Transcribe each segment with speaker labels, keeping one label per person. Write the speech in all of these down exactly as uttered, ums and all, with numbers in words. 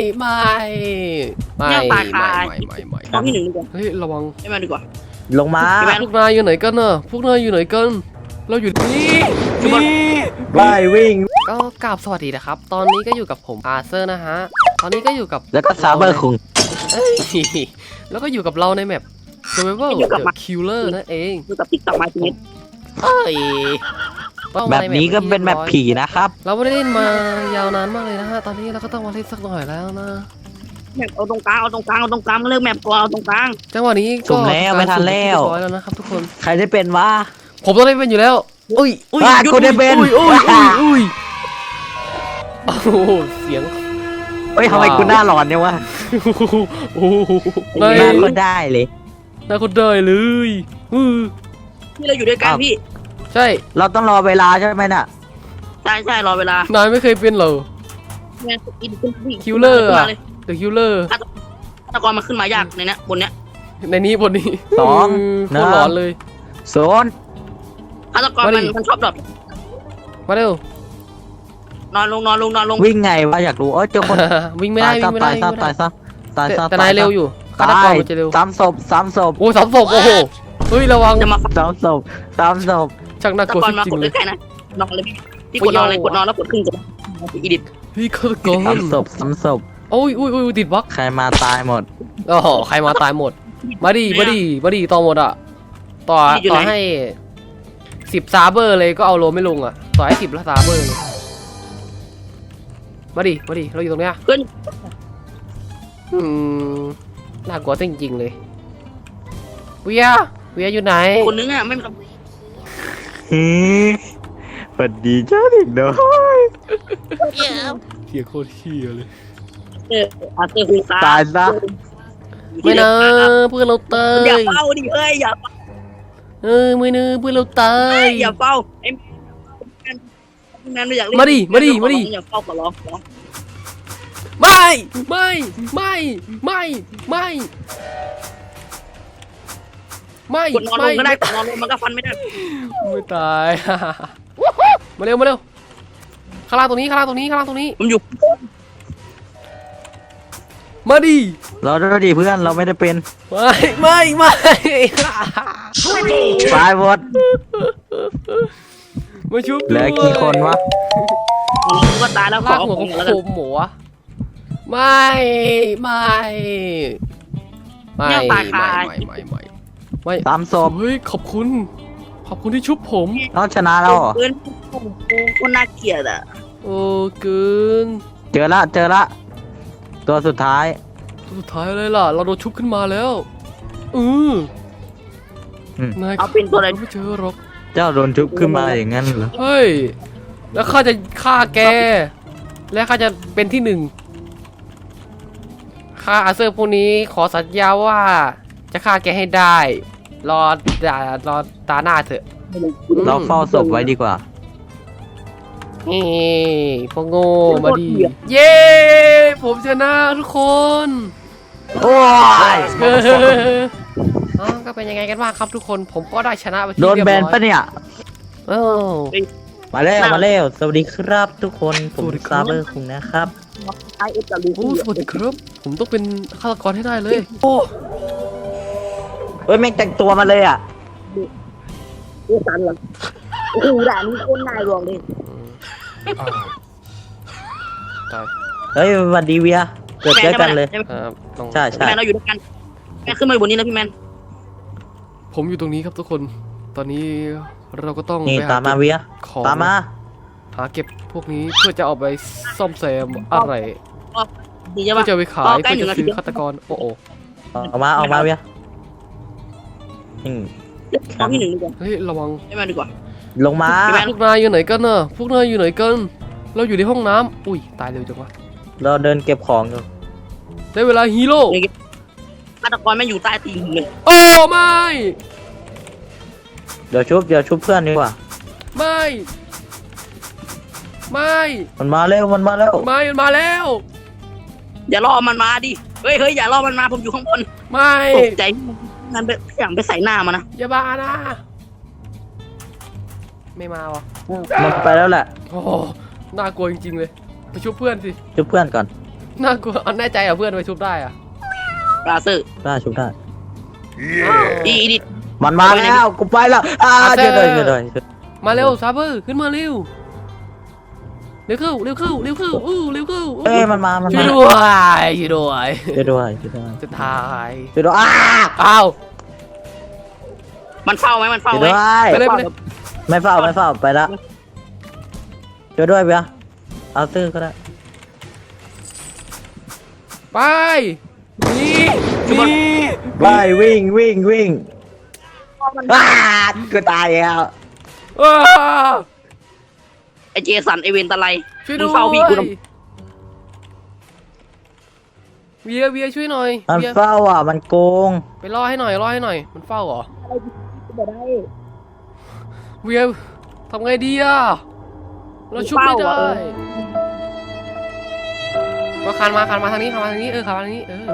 Speaker 1: ไม่ไม่ไม่ไม่ไม่ไม่
Speaker 2: ตอนที่หนึ่งดีกว่า
Speaker 1: เฮ้ยระวัง
Speaker 2: ไม่มาดีกว่า
Speaker 3: ลงมา
Speaker 1: พวกนายอยู่ไหนกันน่ะพวกนายอยู่ไหนกันเราอยู่นี่นี่
Speaker 3: ไปวิ่ง
Speaker 1: ก็กราบสวัสดีนะครับตอนนี้ก็อยู่กับผมอาเซอร์นะฮะตอนนี้ก็อยู่กับ
Speaker 3: แล้วก็ซาเบอร์คุง
Speaker 1: เอ้ยแล้วก็อยู่กับเราในแมป Survival The Killer นั่นเอง
Speaker 2: ดูกับติ๊กต็อกมาทีนี้
Speaker 1: เอ้ย
Speaker 3: แบบนี้ก็เป็นแบบผีนะครับ
Speaker 1: เราไม่ได้เล่นมายาวนานมากเลยนะฮะตอนนี้เราก็ต้องมาเล่นสักหน่อยแล้วนะ
Speaker 2: แมปเอาตรงกลางเอาตรงกลางเอาตรงกลางเลิกแมปก่อนเอาตรงกลาง
Speaker 1: จังหวะนี้ก็
Speaker 3: สุ่มแล้วไม่ทันแล้ว
Speaker 1: เรียบร้อยแล้วนะครับทุกคน
Speaker 3: ใครได้เป็นวะ
Speaker 1: ผมต้องได้เป็นอยู่แล้วอุ้ยอุ้ย
Speaker 3: อ่ะกูได้เป็น
Speaker 1: อุ้ยอุ้ยอุ้ยอุ้ยโอ้โหเสียง
Speaker 3: เฮ้ยทำไมกูหน้าหลอนเนี่ยวะ
Speaker 1: โอ้โห
Speaker 3: หน้าก็ได้เลย
Speaker 1: น่าคนได้เลยอือ
Speaker 2: ที่เราอยู่ด้วยกันพี่
Speaker 1: ใช่
Speaker 3: เราต้องรอเวลาใช่ไหมน่ะ
Speaker 2: ใช่ใช่รอเวลาน
Speaker 1: ายไม่เคยเป็นเหรอ
Speaker 2: แมปอินขึ้นพี่
Speaker 1: คิลเลอร์
Speaker 2: ขึ้น
Speaker 1: อะ
Speaker 2: มาเลย
Speaker 1: The Killer
Speaker 2: ฆาตกรมันขึ้นมายากในเนี้ยบนเนี้ย
Speaker 1: ในนี้บนนี้
Speaker 3: สอง
Speaker 1: โคตรหลอนเลย
Speaker 3: โซน
Speaker 2: ฆาตกรมันมันชอบดรอป
Speaker 1: มาเร็วน
Speaker 2: อนลงนอนลงนอนลง
Speaker 3: วิ่งไงวะอยากรู้เออเจอคน
Speaker 1: วิ่งไม่ได้วิ่งไม่ได้
Speaker 3: ตาย
Speaker 1: วิ่งไม่
Speaker 3: ซะ
Speaker 1: ได้
Speaker 3: ตายซะตายซะ
Speaker 1: แต่นายเร็วอยู่ฆาต
Speaker 3: ตาก
Speaker 1: ร
Speaker 3: ย
Speaker 1: มันจะเร็ว
Speaker 3: สามศพสามศพ
Speaker 1: โอ้สามศพโอ้โหเฮ้ยระวัง
Speaker 2: จะมา
Speaker 3: สามศพสามศพ
Speaker 1: ช่างน่า
Speaker 2: ฆาก ต
Speaker 1: ลัว
Speaker 2: กรมา
Speaker 1: จริ
Speaker 2: ก
Speaker 1: ง
Speaker 2: ด
Speaker 1: ๆเลย
Speaker 2: ใกล้ๆนะนอนเลยพี่พี่กดนอนเลยกดนอนแล้วกดขึ้นจะอีดิท
Speaker 1: เฮ้ยฆาตกร
Speaker 3: สามศพสามศพ
Speaker 1: โอ้ยอุ้ยอุ้ยติดบล็อก
Speaker 3: ใครมาตายหมด
Speaker 1: โอ้โหใครมาตายหมดมาดิมาดิมาดิต่อหมดอ่ะต่อต่อให้สิบซาเบอร์เลยก็เอาโลไม่ลงอ่ะต่อให้สิบละซาเบอร์เลยมาดิมาดิเราอยู่ตรงเนี้ย
Speaker 2: เพื่อน
Speaker 1: อืมน่ากลัวจริงๆเลยเวียเวียอยู่ไหน
Speaker 2: คนนึงอ่ะไม่มี
Speaker 3: ฮึสวัสดีเจ้าเด็กน้อย
Speaker 1: เฮียโคตรเฮียเลย
Speaker 2: เอออาเตอร์คุยตา
Speaker 3: ตายซะ
Speaker 1: ไม่นะเพื่อนเราเต
Speaker 2: อย่าย เฝ้าดิเอ้ยอย่า
Speaker 1: เออไม่นะเพื่อนเราเต
Speaker 2: เอ้
Speaker 1: ย
Speaker 2: ยอย่าเฝ้าไอ้แมนไม่อยากเล่น
Speaker 1: มาดิมาดิมาดิ
Speaker 2: อย่าเฝ้าขอร้องขอร้อง
Speaker 1: ไม่ไม่ไม่ไม่ไม่ไม่
Speaker 2: กดนอนล
Speaker 1: ไม่
Speaker 2: งก็ได้กดนอนลงมันก็ฟันไม่ได้
Speaker 1: ไม่ตาย มาเร็วมาเร็วข้างล่างตรงนี้ข้างล่างตรงนี้ข้างล่างตรงนี้
Speaker 2: ผมอยู่
Speaker 1: มาดิ
Speaker 3: เราด้วยดิเพื่อนเราไม่ได้เป็น
Speaker 1: ไม่ไม่ไม่
Speaker 3: ตายหมด
Speaker 1: มาชุบ
Speaker 3: เหลือกี่คนวะ
Speaker 2: ผมก็ตายแล้วขอ
Speaker 1: ลาก
Speaker 2: เอา
Speaker 1: หัว
Speaker 2: ข
Speaker 1: ข
Speaker 2: อ
Speaker 1: อง ง
Speaker 2: แล้ว
Speaker 1: โค
Speaker 2: กัน
Speaker 1: มหมูอะไม่ไม่ไม่ไม่ไม่ไม่ไม่ไม่
Speaker 3: ตามศพ
Speaker 1: เฮ้ยขอบคุณ ขอบคุณที่ชุบผม
Speaker 3: เราชนะแล้วเหรอ
Speaker 2: เพื่อนคนน่าเกลียดอ่ะ
Speaker 1: โอ้เกิน
Speaker 3: เจอละเจอละตัวสุดท้าย
Speaker 1: สุดท้ายเลยล่ะ เราโดนชุบขึ้นมาแล้วอือ
Speaker 3: อืม
Speaker 1: นาย
Speaker 2: เอาเป็นตัวอะไร
Speaker 1: ไม่เจอหรอก
Speaker 3: เจ้าโดนชุบขึ้นมาอย่างนั้นเหรอ
Speaker 1: เฮ้ย แล้วข้าจะฆ่าแก และข้าจะเป็นที่หนึ่งข้าอาเซอร์พวกนี้ขอสัญญาว่าจะฆ่าแกให้ได้ รอด่ารอตาหน้าเถอะ
Speaker 3: เราเฝ้าศพไว้ดีกว่า
Speaker 1: นี่พวกโง่มาดี เย้ ผมชนะทุกคน
Speaker 3: โอ้ย
Speaker 1: เอออ๋อก็เป็นยังไงกันบ้างครับทุกคน ผมก็ได้ชนะไปที่
Speaker 3: โดน
Speaker 1: เรียบ
Speaker 3: แบ
Speaker 1: ร้อย
Speaker 3: นปะเนี่ย
Speaker 1: เออ
Speaker 3: มาแล้วมาแล้วสวัสดีครับทุกคนผม
Speaker 1: สวัสดีครับ
Speaker 3: ซาเบอร์คุงนะครับ
Speaker 2: ไอเอฟจะรู้
Speaker 1: โอ้สวัสดีครับ ผมต้องเป็นฆาตกรให้ได้เลย โอ้
Speaker 3: เอ้ยแม่งแต่งตัวมาเลยอ่ะ
Speaker 2: ดูสันเหรอโอ้โหด่านนี้โคตรน่ารวงเลย
Speaker 1: ตาย
Speaker 3: เฮ้ยสวัสดีเวียเกิดเจอกันเลย
Speaker 1: ครับต้อง
Speaker 3: ใช่ใช่
Speaker 2: แมนเราอยู่ด้วยกันแมนขึ้นมาบนนี้แล้วพี่แมน
Speaker 1: ผมอยู่ตรงนี้ครับทุกคน ตอนนี้เราก็ต้อง
Speaker 3: นี่
Speaker 1: ไปห
Speaker 3: ตามมาเวีย
Speaker 1: ของ
Speaker 3: ตามมา
Speaker 1: หาเก็บพวกนี้เพื่อจะเอาไปซ่อมแซมอะไร
Speaker 2: ดีใช่
Speaker 1: เพื่
Speaker 2: ปะ
Speaker 1: อจะไปขาย
Speaker 2: อ๋อใกล้
Speaker 1: เพื่อ
Speaker 2: หนึ่
Speaker 1: จะ
Speaker 2: งนาที
Speaker 1: ซื้อฆาตกร โอ้โห
Speaker 3: ออกมาออกมาเวียอืม
Speaker 2: ตอนที่หนึ่งดีกว่า
Speaker 1: เฮ้ยระวัง
Speaker 2: ไม่มาดีกว่า
Speaker 3: ลงมา
Speaker 2: พี่แมน
Speaker 1: พวกนายอยู่ไหนกันน่ะพวกนายอยู่ไหนกัน เราอยู่ในห้องน้ำอุ้ยตายเร็วจังวะ
Speaker 3: เราเดินเก็บของอยู่
Speaker 1: ได้เวลาฮีโร่
Speaker 2: ฆาตกรแม่งอยู่ใต้ตีนผมเลย
Speaker 1: โอ้ไม่
Speaker 3: เดี๋ยวชุบเดี๋ยวชุบเพื่อนดีกว่า
Speaker 1: ไม่ไม่
Speaker 3: มันมาเร็วมันมาแล้ว
Speaker 1: ไม่มันมาแล้ว
Speaker 2: อย่ารอมันมาดิเฮ้ยเฮ้ยอย่ารอมันมาผมอยู่ข้างบน
Speaker 1: ไม่
Speaker 2: ตกใจงั้นไปอย่างไปใส่หน้ามันนะ
Speaker 1: อย่าบ้านะไม่มาวะ
Speaker 3: มันไปแล้วแหละ
Speaker 1: โอ้โหน่ากลัวจริงๆเลยไปช่วยเพื่อนสิ
Speaker 3: ชุบเพื่อนก่อน
Speaker 1: น่ากลัวเอาแน่ใจเหรอเพื่อนไปชุบได้อะ
Speaker 2: ปลาเซอร์
Speaker 3: ได้ชุบได้
Speaker 2: อีดิ
Speaker 3: มันมาแล้วกูไปแล้วอ่าเจอเลยเจอเลย
Speaker 1: มาเร็วซาเบอร์ขึ้นมาเร็วเร็วเข้าเร็วเข้าเร็วเข้าอู้เร็วเข้า
Speaker 3: เอ้ยมันมามัน
Speaker 1: ช่ว
Speaker 3: มาย
Speaker 1: ด้วยช่วยด้วย
Speaker 3: ช่วยด้วยช่วยด้วย
Speaker 1: จะตาย
Speaker 3: ช่วยด้วยอ้า
Speaker 1: อ้าว
Speaker 2: มันเฝ้าไหมมันเฝ้า
Speaker 3: ช่วย
Speaker 2: ไหม
Speaker 3: ด้วย
Speaker 1: ไปเลยไปเลย
Speaker 3: ไม่เฝ้าไม่เฝ้าไปแล้วช่วยด้วยเบียร์เอาตื้อก็ได้
Speaker 1: ไปนี่นี่
Speaker 3: ไปวิ่งวิ่งวิ่งอ้ากูตายแล้ว
Speaker 1: อ้า
Speaker 2: ไอเจสันไอเวนตะไล
Speaker 1: ช่วย
Speaker 2: มึ
Speaker 1: ด้
Speaker 2: ง
Speaker 1: วย
Speaker 2: เฝ้าพี่กูทำ
Speaker 1: เวียเวียช่วยหน่อย
Speaker 3: มัน
Speaker 1: เวีย
Speaker 3: เฝ้าอ่ะมันโกง
Speaker 1: ไปล่อให้หน่อยล่อให้หน่อยมันเฝ้าเหรอ
Speaker 2: ไม่ได้
Speaker 1: เวียทำไงดีอ่ะเราชุบไม่ได้มาคานมาคานมาทางนี้คานมาทางนี้เออคานมาทางนี้เออ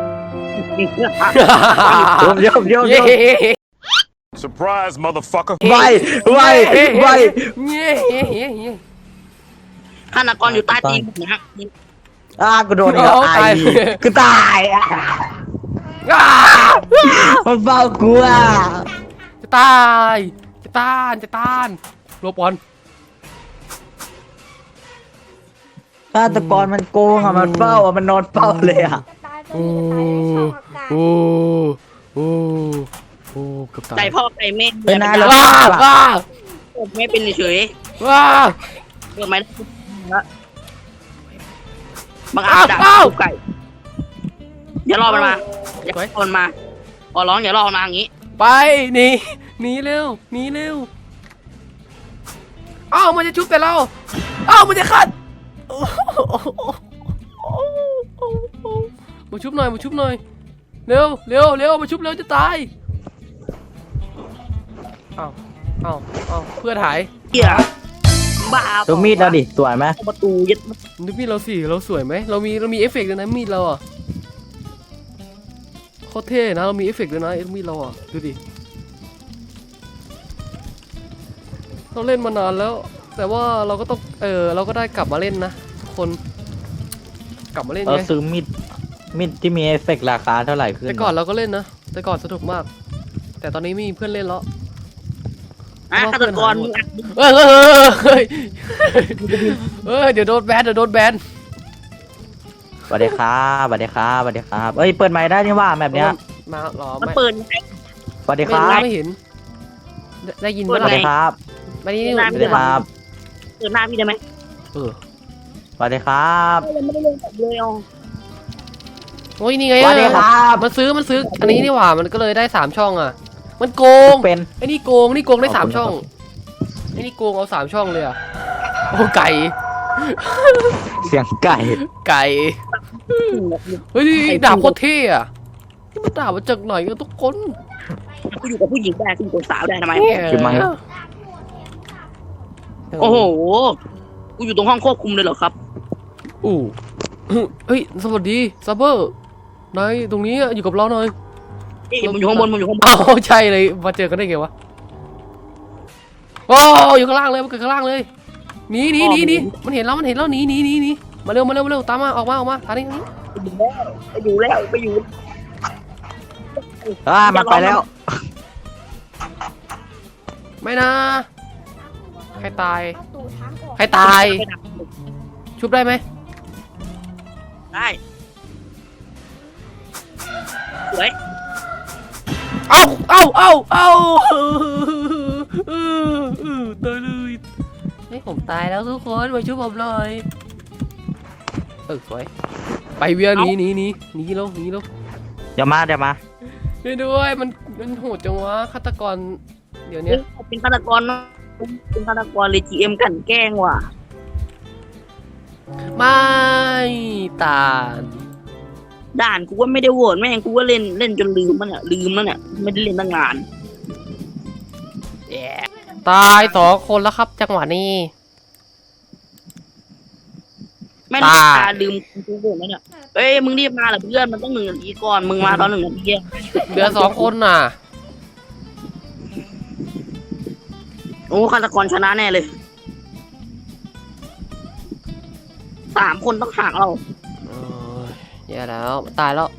Speaker 3: โยมโยมโยม
Speaker 1: เย้
Speaker 4: Surprise, motherfucker.
Speaker 3: ไปไปไป
Speaker 1: เย้เย้เย้เย้
Speaker 2: ฆาตกรอยู่ใต้ตีนผมนะ
Speaker 3: อ่ากูโดนอีกแล้วไอ้กูตายอ่ะ
Speaker 1: อ้า
Speaker 3: มันเฝ้ากูอ่ะ
Speaker 1: จะตายจะต้านจะต้านโลบอล
Speaker 3: ฆาตกรมันโกงอ่ะมันเฝ้าอ่ะมันนอนเฝ้าเลยอ่ะ
Speaker 1: โอ้โอ้โอ้โอ้เกือบตาย
Speaker 2: ไก่พ่อไก่แม่
Speaker 3: เป็นนายแล้ว
Speaker 1: ว้าว้า
Speaker 2: ผมไม่เป็นเฉย
Speaker 1: ว้า
Speaker 2: เกิดไหมบางอาจจะไก่อย่ารอมันมาอย่ารอมันมาขอร้องอย่ารอมันมาอย่างนี้
Speaker 1: ไปหนีหนีเร็วหนีเร็วอ้าวมันจะชุบแต่เราอ้าวมันจะขัดมาชุบหน่อยมาชุบหน่อยเร็วเร็วเร็วมาชุบเร็วจะตายอ้าวอ้าวอ้าวเพื่อนหาย
Speaker 2: เหี้ยบ้า
Speaker 3: ดูมีดเราดิสวยไหม
Speaker 2: ประตูยึด
Speaker 1: นึกมีดเราสิเราสวยไหมเรามีเรามีเอฟเฟกต์ด้วยนะมีดเราอ่ะโคตรเท่นะเรามีเอฟเฟกต์ด้วยนะมีดเราอ่ะดูดิเราเล่นมานานแล้ว แต่ว่าเราก็ต้องเออเราก็ได้กลับมาเล่นนะทุกคนกลับมาเล่น
Speaker 3: เรา
Speaker 1: ไง
Speaker 3: ซื้อมีดมีดที่มีเอฟเฟกต์ราคาเท่าไหร่ขึ้น
Speaker 1: แต่ก่อนเราก็เล่นนะแต่ก่อนสนุกมาก แต่ตอนนี้ไม่มีเพื่อนเล่นแล้ว
Speaker 2: อ่ะฆาตกรมึง
Speaker 1: เฮ้ยเฮ้ยเฮ้ยเดี๋ยวโดนแบนเดี๋ยวโดนแบน
Speaker 3: สวัสดีครับสวัสดีครับสวัสดีครับเอ้ยเปิดไมค์ได้นี่ว่าแบบเนี้ย
Speaker 1: มาหรอ
Speaker 2: มัน
Speaker 1: ไม่
Speaker 2: เปิด
Speaker 3: สวัสดีค
Speaker 1: ไม่
Speaker 3: รับ
Speaker 1: ไม่เห็นได้ได้ยิน
Speaker 2: เปิ
Speaker 1: ไหม
Speaker 3: สวัสดีครับ
Speaker 1: มานี่
Speaker 3: สวัสดีครับ
Speaker 2: เปิดหน้าพี่ได้ไหม
Speaker 1: เออ
Speaker 3: สวัสดีครับ
Speaker 2: ยังไม่ได้ลงแบบเลยอ๋อ
Speaker 1: โอ้ยนี่ไง
Speaker 3: สวัสดีครับ
Speaker 1: มันซื้อมันซื้ออันนี้นี่หว่ามันก็เลยได้สามช่องอ่ะ มันโกง
Speaker 3: เป็น
Speaker 1: ไอ้นี่โกงนี่โกงได้สามช่องไอ้นี่โกงเอาสามช่องเลยอ่ะโอ้ไก่
Speaker 3: เสียงไก่
Speaker 1: ไก่เฮ้ยดาบโคตรเท่อะนี่มันดาบมาจากไหนกันทุกคน
Speaker 2: กูอยู่กับผู้หญิงได้กูอยู่กับสาวได้ทำไม
Speaker 3: ขึ้นมา
Speaker 2: โอ้โหกูอยู่ตรงห้องควบคุมเลยเหรอครับ
Speaker 1: อู้เฮ้ยสวัสดีซับเบอร์นายตรงนี้อะอยู่กับเราหน่อย
Speaker 2: เอ้ยมันอยู่ข้างบนมันอยู่ข้างบน
Speaker 1: อ้าวใช่เลยมาเจอกันได้ไงวะโอ้อยู่ข้างล่างเลยมันเกิดข้างล่างเลยหนีหนีหนีหนีมันเห็นแล้วมันเห็นแล้วหนีหนีหนีหนีมาเร็วมาเร็วมาเร็วตามมาออกมาออกมาทางนี้ทางนี้
Speaker 2: ไปอยู่แล้วไปอยู่
Speaker 3: อ่ามันไปแล้ว
Speaker 1: ไม่นะใครตายใครตาย ชุบได้ไหม
Speaker 2: ได้สวย
Speaker 1: เอ้าเอ้าเอ้าเอ้าตายเลยให้ผมตายแล้วทุกคนมาช่วยผมหน่อยเออสวยไปเวียหนีหนีหนีหนีแล้วหนีแล้ว
Speaker 3: เดี๋ยวมาเดี๋ยวมา
Speaker 1: ช่วยด้วยมันมันโหดจังวะฆาตกรเดี๋ยวนี้
Speaker 2: เป็นฆาตกรนะเป็นฆาตกรเลยจีเอ็มกันแกล้งว่ะ
Speaker 1: ไม่ตาน
Speaker 2: ด่านกูว่าไม่ได้โหวตแม่งกูว่าเล่นเล่นจนลืมมันอ่ะลืมแล้วเนี่ยไม่ได้เล่นตั้งนาน
Speaker 1: ตายสองคนแล้วครับจังหวะนี้
Speaker 2: แม่ง
Speaker 1: ตาย
Speaker 2: ตาลืมกูโหวตแล้วเนี่ยเอ้ยมึงรีบมาเหรอเพื่อนมันต้องหนึ่งนาทีก่อนมึงมาตอนหนึ่งนาที
Speaker 1: เหลือสองคนน่ะ
Speaker 2: โอ้ฆาตกรชนะแน่เลยสามคนต้องห่างเรา
Speaker 1: เอ้ยแย่แล้วตายแล้ว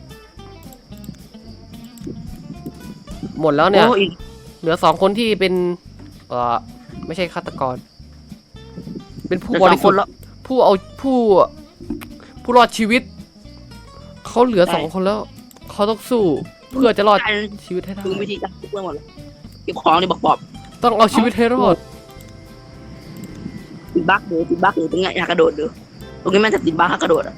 Speaker 1: หมดแล้วเนี่ย
Speaker 2: โอ้อีก
Speaker 1: เหลือสองคนที่เป็นเออไม่ใช่ฆาตกร เป็นผู้
Speaker 2: เหลื
Speaker 1: บ
Speaker 2: อส
Speaker 1: ริ
Speaker 2: อง
Speaker 1: สุ
Speaker 2: ค
Speaker 1: ท
Speaker 2: น
Speaker 1: ธิ์
Speaker 2: แล้ว
Speaker 1: ผู้เอาผู้ผู้รอดชีวิตเขาเหลือสองคนแล้วเขาต้องสู้เพื่อจะรอดชีวิตให้ได้
Speaker 2: คือวิธีการเพื่อนหมดเลยเก็บของนี่บอกปอบ
Speaker 1: ต้องเอาชีวิตให้รอด
Speaker 2: ติดบั๊กหรือติดบั๊กหรือตรงนี้อยากกระโดดดูตรงนี้มันจะติดบั๊กให้กระโดดอ่ะ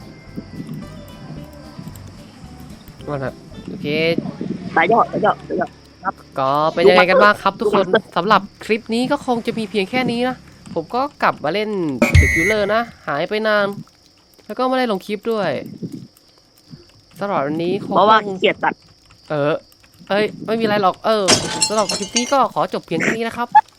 Speaker 1: มันอะโอเค
Speaker 2: สายย่อสายย่อสายย่อ
Speaker 1: ก็เป็นยังไงกันบ้างครับทุกคนสำหรับคลิปนี้ก็คงจะมีเพียงแค่นี้นะผมก็กลับมาเล่น The Killer นะ หายไปนาน แล้วก็ไม่ได้ลงคลิปด้วยสำหรับวันนี้คง
Speaker 2: เพราะว่า
Speaker 1: ต้อง
Speaker 2: เกลียดตัด
Speaker 1: เออ เอ้ย ไม่มีอะไรหรอก เออสำหรับคลิปนี้ก็ขอจบเพียงแค่นี้นะครับ